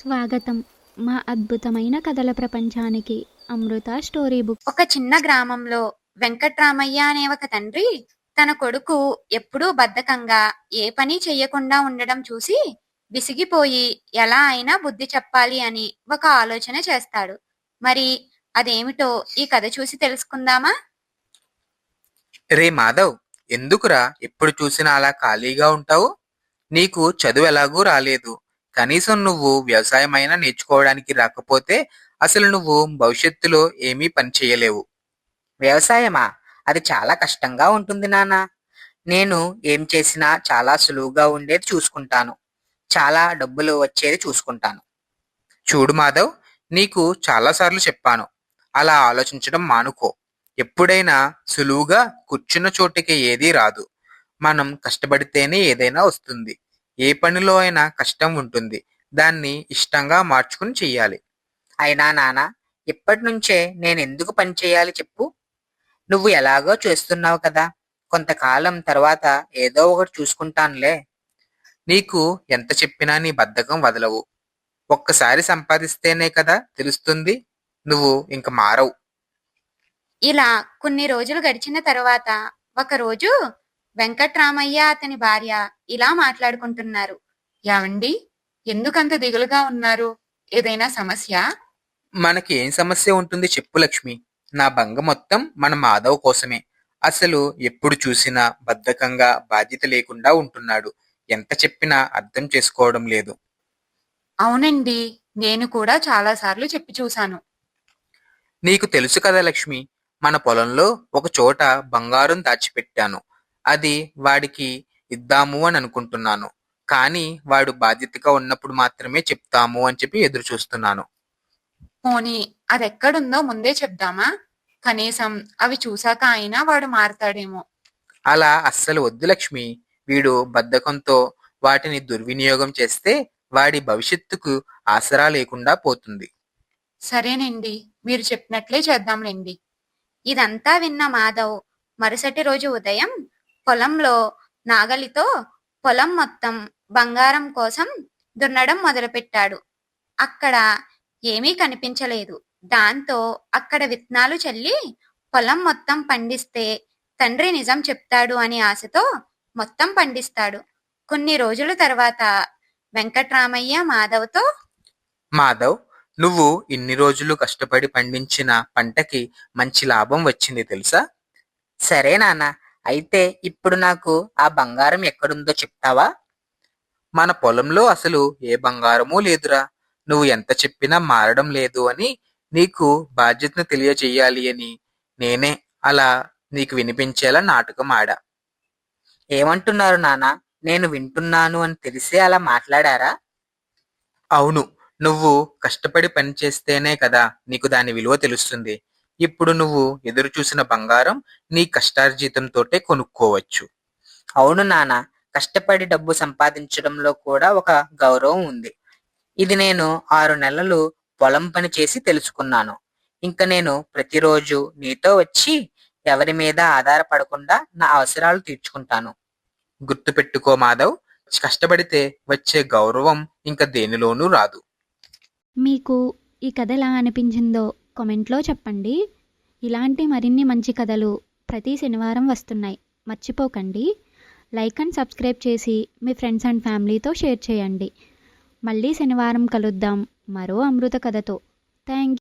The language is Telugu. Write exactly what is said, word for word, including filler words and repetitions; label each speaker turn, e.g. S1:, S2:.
S1: స్వాగతం మా అద్భుతమైన కథల ప్రపంచానికి. Amrita story book.
S2: ఒక చిన్న గ్రామంలో వెంకట్రామయ్య అనే ఒక తండ్రి తన కొడుకు ఎప్పుడూ బద్ధకంగా ఏ పని చెయ్యకుండా ఉండడం చూసి విసిగిపోయి ఎలా అయినా బుద్ధి చెప్పాలి అని ఒక ఆలోచన చేస్తాడు. మరి అదేమిటో ఈ కథ చూసి తెలుసుకుందామా?
S3: రే మాధవ్, ఎందుకురా ఎప్పుడు చూసినా అలా ఖాళీగా ఉంటావు? నీకు చదువు ఎలాగూ రాలేదు. కనీసం నువ్వు వ్యవసాయమైనా నేర్చుకోవడానికి రాకపోతే అసలు నువ్వు భవిష్యత్తులో ఏమీ పని చేయలేవు.
S4: వ్యవసాయమా? అది చాలా కష్టంగా ఉంటుంది నాన్న. నేను ఏం చేసినా చాలా సులువుగా ఉండేది చూసుకుంటాను. చాలా డబ్బులు వచ్చేది చూసుకుంటాను.
S3: చూడు మాధవ్, నీకు చాలాసార్లు చెప్పాను, అలా ఆలోచించడం మానుకో. ఎప్పుడైనా సులువుగా కూర్చున్న చోటికి ఏదీ రాదు. మనం కష్టపడితేనే ఏదైనా వస్తుంది. ఏ పనిలో అయినా కష్టం ఉంటుంది. దాన్ని ఇష్టంగా మార్చుకుని చెయ్యాలి.
S4: అయినా నాన్న, ఇప్పటి నుంచే నేను ఎందుకు పని చేయాలి చెప్పు? నువ్వు ఎలాగో చేస్తున్నావు కదా, కొంతకాలం తర్వాత ఏదో ఒకటి చూసుకుంటానులే.
S3: నీకు ఎంత చెప్పినా నీ బద్ధకం వదలవు. ఒక్కసారి సంపాదిస్తేనే కదా తెలుస్తుంది. నువ్వు ఇంక మారవు.
S2: ఇలా కొన్ని రోజులు గడిచిన తర్వాత ఒకరోజు వెంకట్రామయ్య అతని భార్య ఇలా మాట్లాడుకుంటున్నారు.
S5: యావండి, ఎందుకంత దిగులుగా ఉన్నారు? ఏదైనా సమస్య?
S3: మనకి ఏం సమస్య ఉంటుంది చెప్పు లక్ష్మి. నా బంగ మొత్తం మన మాధవ్ కోసమే. అసలు ఎప్పుడు చూసినా బద్ధకంగా బాధ్యత లేకుండా ఉంటున్నాడు. ఎంత చెప్పినా అర్థం చేసుకోవడం లేదు.
S5: అవునండి, నేను కూడా చాలా సార్లు చెప్పి చూశాను.
S3: నీకు తెలుసు కదా లక్ష్మి, మన పొలంలో ఒక చోట బంగారం దాచిపెట్టాను. అది వాడికి ఇద్దాము అని అనుకుంటున్నాను. కానీ వాడు బాధ్యతగా ఉన్నప్పుడు మాత్రమే చెప్తాము అని చెప్పి ఎదురు చూస్తున్నాను.
S5: పోనీ అదెక్కడుందో ముందే చెప్దామా? కనీసం అవి చూశాక అయినా వాడు మారతాడేమో.
S3: అలా అస్సలు వద్దు లక్ష్మి. వీడు బద్ధకంతో వాటిని దుర్వినియోగం చేస్తే వాడి భవిష్యత్తుకు ఆసరా లేకుండా పోతుంది.
S5: సరేనండి, మీరు చెప్పినట్లే చేద్దాంలేండి.
S2: ఇదంతా విన్న మాధవ్ మరుసటి రోజు ఉదయం పొలంలో నాగలితో పొలం మొత్తం బంగారం కోసం దున్నడం మొదలుపెట్టాడు. అక్కడ ఏమీ కనిపించలేదు. దాంతో అక్కడ విత్తనాలు చల్లి పొలం మొత్తం పండిస్తే తండ్రి నిజం చెప్తాడు అని ఆశతో మొత్తం పండిస్తాడు. కొన్ని రోజుల తర్వాత వెంకట్రామయ్య మాధవ్తో,
S3: మాధవ్, నువ్వు ఇన్ని రోజులు కష్టపడి పండించిన పంటకి మంచి లాభం వచ్చింది తెలుసా?
S4: సరే నాన్న, అయితే ఇప్పుడు నాకు ఆ బంగారం ఎక్కడుందో చెప్తావా?
S3: మన పొలంలో అసలు ఏ బంగారమూ లేదురా. నువ్వు ఎంత చెప్పినా మారడం లేదు అని నీకు బాధ్యతను తెలియచేయాలి అని నేనే అలా నీకు వినిపించేలా నాటకం ఆడా.
S4: ఏమంటున్నారు నాన్న? నేను వింటున్నాను అని తెలిసే అలా మాట్లాడారా?
S3: అవును, నువ్వు కష్టపడి పని చేస్తేనే కదా నీకు దాని విలువ తెలుస్తుంది. ఇప్పుడు నువ్వు ఎదురు చూసిన బంగారం నీ కష్టార్జితంతోటే కొనుక్కోవచ్చు.
S4: అవును నాన్న, కష్టపడి డబ్బు సంపాదించడంలో కూడా ఒక గౌరవం ఉంది. ఇది నేను ఆరు నెలలు పొలం పని చేసి తెలుసుకున్నాను. ఇంకా నేను ప్రతిరోజు నీతో వచ్చి ఎవరి మీద ఆధారపడకుండా నా అవసరాలు తీర్చుకుంటాను.
S3: గుర్తుపెట్టుకో మాధవ్, కష్టపడితే వచ్చే గౌరవం ఇంకా దేనిలోనూ రాదు.
S1: మీకు ఈ కథ ఎలా అనిపించిందో కామెంట్లో చెప్పండి. ఇలాంటి మరిన్ని మంచి కథలు ప్రతి శనివారం వస్తున్నాయి. మర్చిపోకండి. లైక్ అండ్ సబ్స్క్రైబ్ చేసి మీ ఫ్రెండ్స్ అండ్ ఫ్యామిలీతో షేర్ చేయండి. మళ్ళీ శనివారం కలుద్దాం మరో అమృత కథతో. థ్యాంక్